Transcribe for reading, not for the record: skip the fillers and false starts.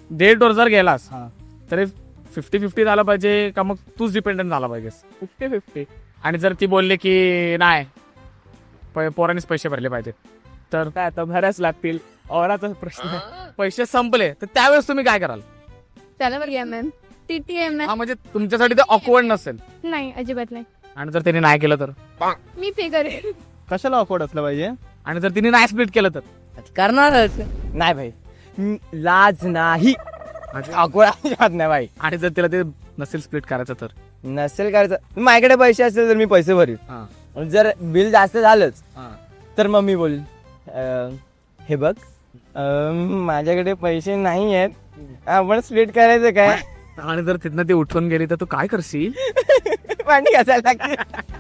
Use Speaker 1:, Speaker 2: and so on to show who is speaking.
Speaker 1: डेटवर जर गेलास
Speaker 2: हा.
Speaker 1: तरी 50-50 झाला पाहिजे का मग तूच डिपेंडंट झाला पाहिजेस?
Speaker 2: 50-50.
Speaker 1: आणि जर ती बोलले की नाही पोरांनीच पैसे भरले पाहिजे तर
Speaker 2: काय आता भरायच लागतील, औराचा प्रश्न आहे.
Speaker 1: पैसे संपले तर त्यावेळेस तुम्ही काय कराल?
Speaker 3: त्याला TMM. TTM
Speaker 1: हा म्हणजे तुमच्यासाठी ते ऑकवर्ड नसेल
Speaker 3: नाही, अजिबात नाही.
Speaker 1: आणि जर त्यांनी नाही केलं तर?
Speaker 3: मी पे करेन.
Speaker 2: कशाला अफोर्ड असलं पाहिजे?
Speaker 1: आणि जर तिने नाही स्प्लिट केलं तर?
Speaker 4: करणारच नाही भाई, लाज नाही, अजिबात नाही भाई.
Speaker 1: आणि जर तिला ते नसेल स्प्लिट करायचं तर?
Speaker 4: नसेल करायचं, माझ्याकडे पैसे असतील तर मी पैसे भरीन. आणि जर बिल जास्त झालंच तर मग मी बोल हे बघ माझ्याकडे पैसे नाही आहेत, आपण स्प्लिट करायचं काय?
Speaker 1: आणि जर तिथनं ती उठून गेली तर तू काय करशील?
Speaker 4: भांडी घासायला लागते.